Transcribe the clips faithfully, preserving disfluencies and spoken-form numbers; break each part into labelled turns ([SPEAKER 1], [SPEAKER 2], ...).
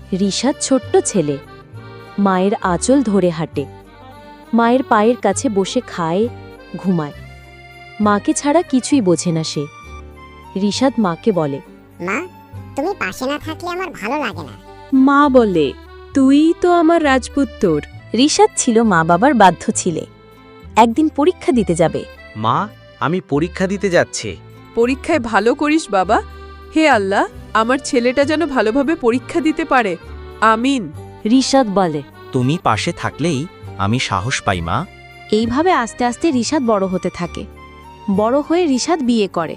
[SPEAKER 1] রিশাদ ছোট্ট ছেলে, মায়ের আঁচল ধরে হাঁটে, মায়ের পায়ের কাছে বসে খায়, ঘুমায়। মাকে ছাড়া কিছুই বোঝে না সে। রিশাদ মাকে বলে,
[SPEAKER 2] মা, তুমি পাশে না থাকলে আমার ভালো লাগে না।
[SPEAKER 3] মা বলে, তুই তো আমার রাজপুত্র।
[SPEAKER 1] রিশাদ ছিল মা বাবার বাধ্য ছিলে। একদিন পরীক্ষা দিতে যাবে।
[SPEAKER 4] মা, আমি পরীক্ষা দিতে যাচ্ছি।
[SPEAKER 3] পরীক্ষায় ভালো করিস বাবা। হে আল্লাহ, আমার ছেলেটা যেন ভালোভাবে পরীক্ষা দিতে পারে। আমিন।
[SPEAKER 1] রিশাদ বলে,
[SPEAKER 4] তুমি পাশে থাকলেই আমি সাহস পাই মা।
[SPEAKER 1] এইভাবে আস্তে আস্তে রিশাদ বড় হতে থাকে। বড় হয়ে রিশাদ বিয়ে করে।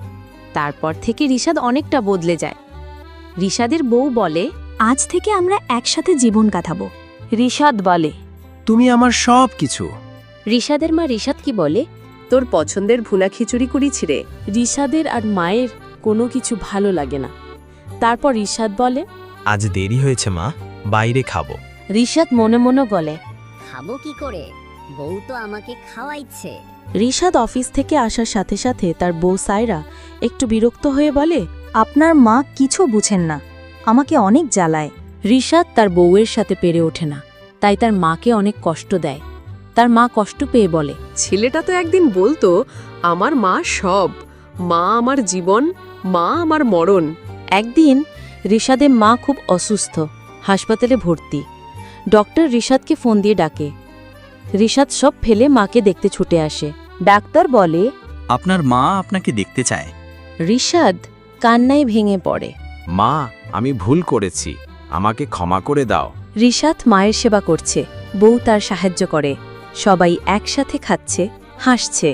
[SPEAKER 1] তারপর থেকে রিশাদ অনেকটা বদলে যায়। রিশাদের বউ বলে, আজ থেকে আমরা একসাথে জীবন কাটাবো। রিশাদ বলে,
[SPEAKER 5] তুমি আমার সব কিছু।
[SPEAKER 1] রিশাদের মা রিশাদ কি বলে,
[SPEAKER 3] তোর পছন্দের ভুনা খিচুড়ি করেছি রে।
[SPEAKER 6] রিশাদের আর মায়ের কোনো কিছু ভালো লাগে না। তারপর রিশাদ বলে,
[SPEAKER 4] আজ দেরি হয়েছে মা, বাইরে খাবো।
[SPEAKER 1] রিশাদ মনে মনে বলে,
[SPEAKER 2] খাবো কি করে? বউ তো আমাকে খাওয়াইছে।
[SPEAKER 6] রিশাদ অফিস থেকে আসার সাথে সাথে তার বউ সায়রা একটু বিরক্ত হয়ে বলে,
[SPEAKER 1] আপনার মা কিছু বুঝেন না, আমাকে অনেক জ্বালায়। রিশাদ তার বউয়ের সাথে পেরে ওঠে না, তাই তার মাকে অনেক কষ্ট দেয়। তার মা কষ্ট পেয়ে বলে,
[SPEAKER 3] ছেলেটা তো একদিন বলতো, আমার মা সব, মা আমার জীবন, মা আমার মরণ।
[SPEAKER 1] একদিন রিশাদের মা খুব অসুস্থ, হাসপাতালে ভর্তি। ডক্টর রিশাদকে ফোন দিয়ে ডাকে। রিশাদ সব ফেলে মাকে দেখতে ছুটে আসে। ডাক্তার বলে,
[SPEAKER 5] আপনার মা আপনাকে দেখতে চায়।
[SPEAKER 1] রিশাদ কান্নায় ভেঙে পড়ে।
[SPEAKER 4] মা, আমি ভুল করেছি, আমাকে ক্ষমা করে দাও।
[SPEAKER 1] রিশাদ মায়ের সেবা করছে, বউ তার সাহায্য করে, সবাই একসাথে খাচ্ছে, হাসছে।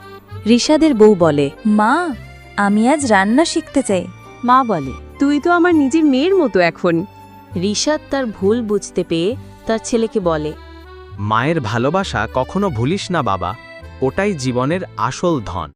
[SPEAKER 1] রিশাদের বউ বলে, মা, আমি আজ রান্না শিখতে চাই। মা বলে,
[SPEAKER 3] তুই তো আমার নিজের মেয়ের মতো এখন।
[SPEAKER 1] রিশাদ তার ভুল বুঝতে পেয়ে তার ছেলেকে বলে,
[SPEAKER 4] মায়ের ভালোবাসা কখনো ভুলিস না বাবা, ওটাই জীবনের আসল ধন।